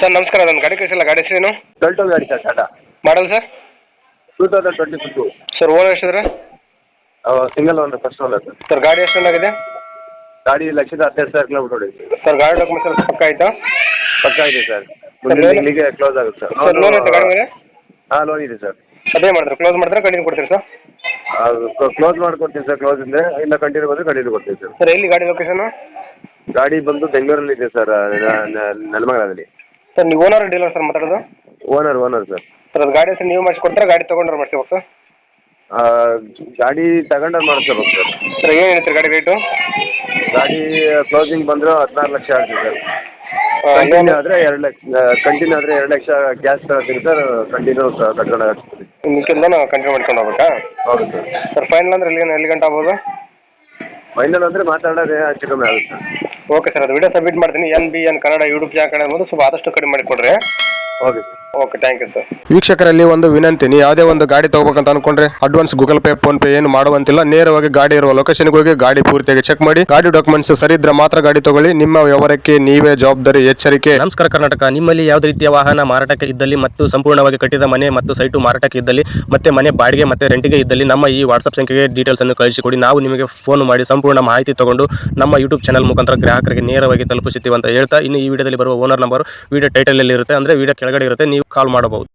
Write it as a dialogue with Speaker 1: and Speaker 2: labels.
Speaker 1: Sir ನಮಸ್ಕಾರ, ನನ್ನ ಗಾಡಿ ಕಳಿಸಿಲ್ಲ. ಗಾಡಿ ಹೆಸರೇನು?
Speaker 2: ಟೊಲ್ಟೊ ಗಾಡಿ sir, Tata
Speaker 1: model sir?
Speaker 2: 2022.
Speaker 1: Sir owner ಎಷ್ಟಿದ್ರೆ?
Speaker 2: Single owner, first owner sir.
Speaker 1: Sir ಗಾಡಿ ಎಷ್ಟು ಚೆನ್ನಾಗಿದೆ?
Speaker 2: ಗಾಡಿ 1,12,000 ಕಿಲೋಮೀಟರ್ ಹೊಡಿದೆ
Speaker 1: ಸರ್. ಗಾಡಿ ಡಾಕ್ಯುಮೆಂಟ್ಸ್ ಎಲ್ಲ ಪಕ್ಕ ಆಯ್ತಾ?
Speaker 2: ಪಕ್ಕ ಇದೆ ಸರ್. ಮುಂದಿನ ತಿಂಗಳಿಗೆ ಕ್ಲೋಸ್ ಆಗುತ್ತೆ ಸರ್.
Speaker 1: ಸರ್ ಲೋನ್ ಐತೆ ಗಾಡಿ ಮೇಲೆ?
Speaker 2: ಹಾಂ, ಲೋನ್ ಇದೆ ಸರ್.
Speaker 1: ಅದೇ ಮಾಡಿದ್ರೆ ಕ್ಲೋಸ್ ಮಾಡಿದ್ರೆ ಕಂಟಿನ್ಯೂ ಕೊಡ್ತೀರಿ ಸರ್?
Speaker 2: ಕ್ಲೋಸ್ ಮಾಡ್ಕೊಡ್ತೀನಿ ಸರ್. ಕ್ಲೋಸ್ ಇದ್ದರೆ ಇಲ್ಲ ಕಂಟಿನ್ಯೂ ಬಂದರೆ ಕಂಟಿನ್ಯೂ ಕೊಡ್ತೀನಿ ಸರ್.
Speaker 1: ಸರ್ ಎಲ್ಲಿ ಗಾಡಿ ಲೊಕೇಶನ್?
Speaker 2: ಗಾಡಿ ಬಂದು ಬೆಂಗಳೂರಲ್ಲಿ ಇದೆ ಸರ್, ನೆಲಮಂಗಲದಲ್ಲಿ.
Speaker 1: ಸರ್ ನೀವು ಓನರ್ ಡೀಲರ್ ಸರ್ ಮಾತಾಡೋದು?
Speaker 2: Owner sir.
Speaker 1: ಸರ್ ಅದು ಗಾಡಿ ಹೆಸರು ನೀವು ಮಾಡಿಸ್ಕೊಡ್ತಾರೆ, ಗಾಡಿ ತೊಗೊಂಡ್ರೆ ಮಾಡಿಸ್ಬೇಕು ಸರ್?
Speaker 2: ಗಾಡಿ ತಗೊಂಡಲ್ಲಿ ಮಾಡಿಸ್ಕೋಬೇಕು ಸರ್.
Speaker 1: ಸರ್ ಏನು ಹೇಳ್ತೀರಿ ಗಾಡಿ ರೇಟು?
Speaker 2: ಗಾಡಿ ಕ್ಲೋಸಿಂಗ್ ಬಂದರೆ 16 ಲಕ್ಷ ಆಗುತ್ತೆ ಸರ್. ಕಂಟಿನ್ಯೂ ಆದರೆ 2 ಲಕ್ಷ, ಕಂಟಿನ್ಯೂ ಆದರೆ 2 ಲಕ್ಷ ಕ್ಯಾಶ್ ತಗೋತೀನಿ ಸರ್. ಕಂಟಿನ್ಯೂ ಕಟ್ಕೊಂಡು ಹಾಕ್ತೀನಿ.
Speaker 1: ಮಿಕ್ಕಿಲ್ಲ ನಾವು ಕಂಟಿನ್ಯೂ ಮಾಡ್ಕೊಂಡು ಹೋಗ್ಬೇಕಾ?
Speaker 2: ಹೌದು ಸರ್.
Speaker 1: ಸರ್ ಫೈನಲ್ ಅಂದರೆ ಎಲ್ಲಿ ಗಂಟೆ ಆಗ್ಬೋದು?
Speaker 2: ಫೈನಲ್ ಅಂದರೆ ಮಾತಾಡೋದೇ ಹೆಚ್ಚು ಕಮ್ಮಿ ಆಗುತ್ತೆ ಸರ್.
Speaker 1: ಓಕೆ ಸರ್, ಅದು ವಿಡಿಯೋ ಸಬ್ಮಿಟ್ ಮಾಡ್ತೀನಿ. NBN ಕನ್ನಡ ಯೂಟ್ಯೂಬ್ ಚಾನಲ್ ಅನ್ನೋದು ಸ್ವಲ್ಪ ಆದಷ್ಟು ಕಡಿಮೆ ಮಾಡಿ ಕೊಡ್ರಿ.
Speaker 2: Okay sir.
Speaker 1: Okay, thank you sir.
Speaker 3: ವೀಕ್ಷಕರಲ್ಲಿ ಒಂದು ವಿನಂತಿ, ನೀವು ಯಾವುದೇ ಒಂದು ಗಾಡಿ ತಗೋಬೇಕಂತ ಅನ್ಕೊಂಡ್ರೆ advance Google Pay PhonePe ಏನು ಮಾಡುವಂತಿಲ್ಲ. ನೇರವಾಗಿ ಗಾಡಿ ಇರುವ ಲೊಕೇಶನ್ಗೆ ಹೋಗಿ ಗಾಡಿ ಪೂರ್ತಿಯಾಗಿ ಚೆಕ್ ಮಾಡಿ, ಗಾಡಿ ಡಾಕ್ಯುಮೆಂಟ್ಸ್ ಸರಿ ಇದ್ರೆ ಮಾತ್ರ ಗಾಡಿ ತಗೊಳ್ಳಿ. ನಿಮ್ಮ ವ್ಯವಹಾರಕ್ಕೆ ನೀವೇ ಜವಾಬ್ದಾರಿ. ಎಚ್ಚರಿಕೆ.
Speaker 4: ನಮಸ್ಕಾರ ಕರ್ನಾಟಕ. ನಿಮ್ಮಲ್ಲಿ ಯಾವುದೇ ರೀತಿಯ ವಾಹನ ಮಾರಾಟಕ್ಕೆ ಇದ್ದಲ್ಲಿ ಮತ್ತು ಸಂಪೂರ್ಣವಾಗಿ ಕಟ್ಟಿದ ಮನೆ ಮತ್ತು ಸೈಟು ಮಾರಾಟಕ್ಕೆ ಇದ್ದಲ್ಲಿ ಮತ್ತೆ ಮನೆ ಬಾಡಿಗೆ ಮತ್ತು ರೆಂಟಿಗೆ ಇದ್ದಲ್ಲಿ ನಮ್ಮ ಈ ವಾಟ್ಸ್ಆಪ್ ಸಂಖ್ಯೆಗೆ ಡೀಟೇಲ್ಸ್ ಅನ್ನು ಕಳಿಸಿಕೊಡಿ. ನಾವು ನಿಮಗೆ ಫೋನ್ ಮಾಡಿ ಸಂಪೂರ್ಣ ಮಾಹಿತಿ ತಗೊಂಡು ನಮ್ಮ ಯೂಟ್ಯೂಬ್ ಚಾನಲ್ ಮುಖಾಂತರ ಗ್ರಾಹಕರಿಗೆ ನೇರವಾಗಿ ತಲುಪಿಸುತ್ತೀವಿ ಅಂತ ಹೇಳ್ತಾ, ಇನ್ನು ಈ ವಿಡಿಯೋದಲ್ಲಿ ಬರುವ ಓನರ್ ನಂಬರ್ ವಿಡಿಯೋ ಟೈಟಲ್ ಅಲ್ಲಿ ಇರುತ್ತೆ, ಅಂದ್ರೆ ವಿಡಿಯೋ ಕೆಳಗಡೆ ಇರುತ್ತೆ, ನೀವು ಕಾಲ್ ಮಾಡಬಹುದು.